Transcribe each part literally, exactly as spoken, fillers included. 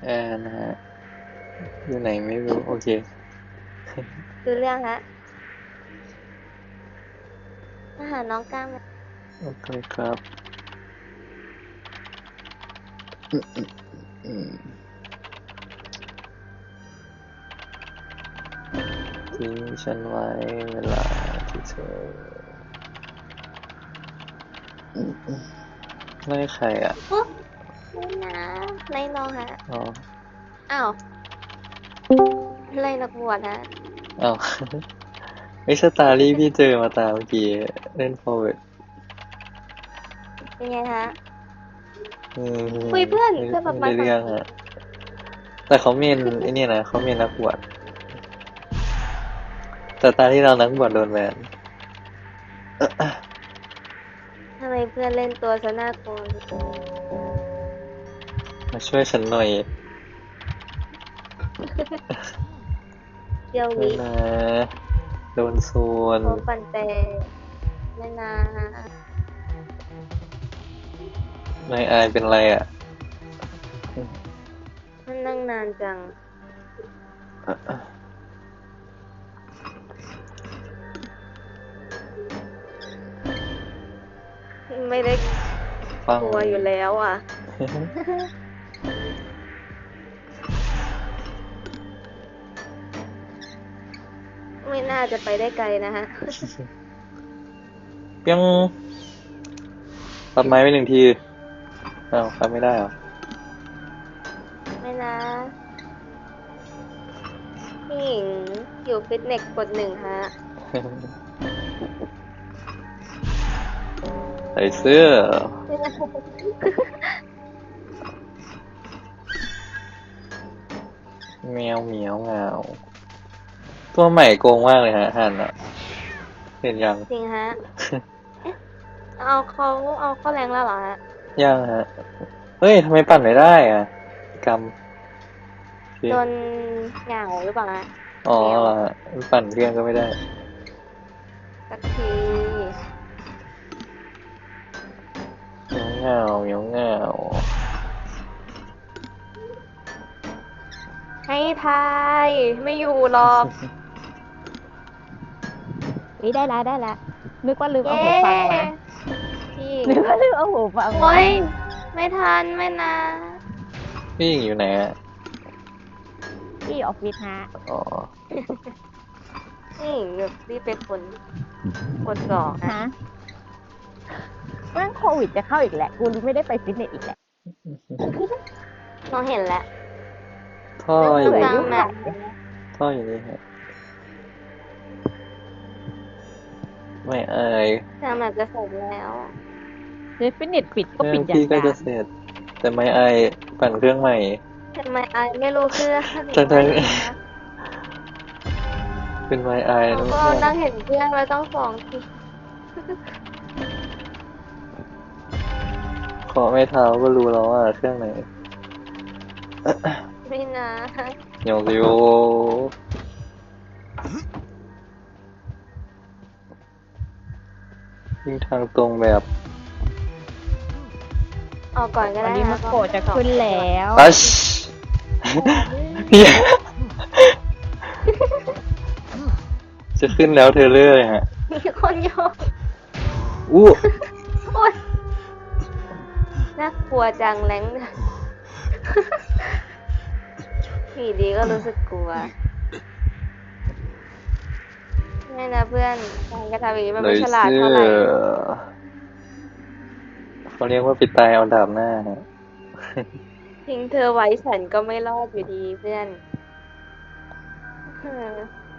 แอนนะฮะอยู่ไหนไม่รู้โอเคดูเรื่องฮะมาหาน้องก้ามไหมโอเคครับอืมทิ้งฉันไว้เวลาที่เธอไม่ใครอ่ะโอ๊ะไม่นะไล่น้องฮะอ๋ออ้าวไล่นักบวชฮะอ้าวไอ้สตารี่พี่เจอมาตามเมื่อกี้เล่น forward เป็นไงฮะอืมคุยเพื่อนไม่เพื่อนแบบไม่ได้มาฝั่งนี้เรื่องอ่ะแต่เขาเมนไอ้นี่นะเขาเมนนักบวชแต่ตาที่เรานักบวชโดนแบนทำไมเพื่อนเล่นตัวซะน่ากลัวมาช่วยฉันหน่อยเดียววิไม่นะโดนโซนโอปันเตไม่นะไม่อายเป็นไรอ่ะมันนั่งนานจังไม่ได้ฟังกลัวอยู่แล้วอ่ะไม่น่าจะไปได้ไกลนะฮะยังตัดไม้ไปหนึ่งทีอ้าวตัดไม่ได้เหรอไม่นะพี่หญิงอยู่ฟิตเนสกดหนึ่งฮะใส่เสื้อแมวเหมียวเหงาตัวใหม่โกงมากเลยฮะหันอ่ะเห็นยังจริงฮะเอาเขาเอาเข้าแรงแล้วเหรอฮะยังฮะเฮ้ยทำไมปั่นไม่ได้อ่ะกำพี่โดนเหงาหรือเปล่าฮะอ๋อแมวเหรอฮะปั่นเครื่องก็ไม่ได้สักทีเหมียวเหงาเหมียวเหงาให้ทายไม่อยู่หรอกนี่ได้แล้วได้แล้วนึกว่าลืมเย้เอาหูฟังมาพี่นึกว่าลืมเอาหูฟังโอ้มายไม่ทันไม่นะพี่หญิงอยู่ไหนอ่ะที่ออฟฟิศฮะอ๋อนี่แบบรีบไปคนกดก่อนฮะฮะแม่งโควิดจะเข้าอีกแหละกูไม่ได้ไปฟิตเนสอีกแหละน้องเห็นแล้วท่อเรื่องอยู่เบื่อกลางยุ่งแมปหลายเลยท่ออยู่นี่ฮะไม่อายกลางแมปจะเสร็จแล้วเดี๋ยวฟิตเนสปิดเครื่องก็ปิดอย่าพี่ก็งกาจะเสร็จแต่ไม่อายปั่นเครื่องใหม่ทำไมไอไม่รู้เครื่องทั้งไม่ๆนะเป็นไม้อายเราก็นะเพื่อนนั่งเห็นเพื่อนไว้ต้องสองทีขอไม่เท้าก็รู้แล้วว่าเครื่องไหนไม่นะโยซิโอวิ่งทางตรงแบบออกก่อนก็วันได้นะนี้มาโกะจะขึ้นแล้วตัชพี่จะขึ้นแล้วเทเลอร์เลยฮะมีคนโยนอู้โอ๊ยน่ากลัวจังแรงผีดีก็รู้สึกกลัวไม่นะเพื่อนการกระทำอย่างนี้มันเลไม่ยฉลาดเสื้อเท่าไหร่เขาเรียกว่าปิดตายเอาดาบหน้าฮะทิ้งเธอไว้ฉันก็ไม่รอดอยู่ดีเพื่อนเออ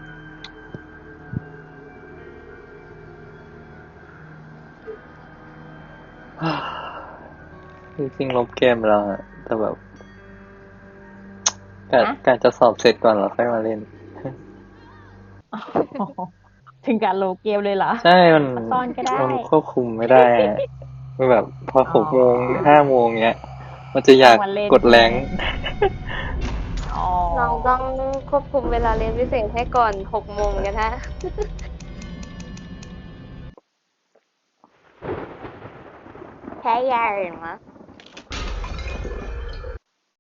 จริงๆลบเกมแล้วอะแต่แบบกะฮะกะจะสอบเสร็จก่อนแล้วค่อยมาเล่นถึงการโลเกมเลยเหรอใช่ มันซ่อนก็ได้มันควบคุมไม่ได้อะมันแบบพออ๋หกโมงอห้าโมงเงี้ย มันจะอยากต้องมาเล่นกดแรใช่ไหมงค์อ๋อน้องต้องควบคุมเวลาเรียนพิเศษให้ก่อนหกโมงกันฮะแค่ยาหรือมั้ง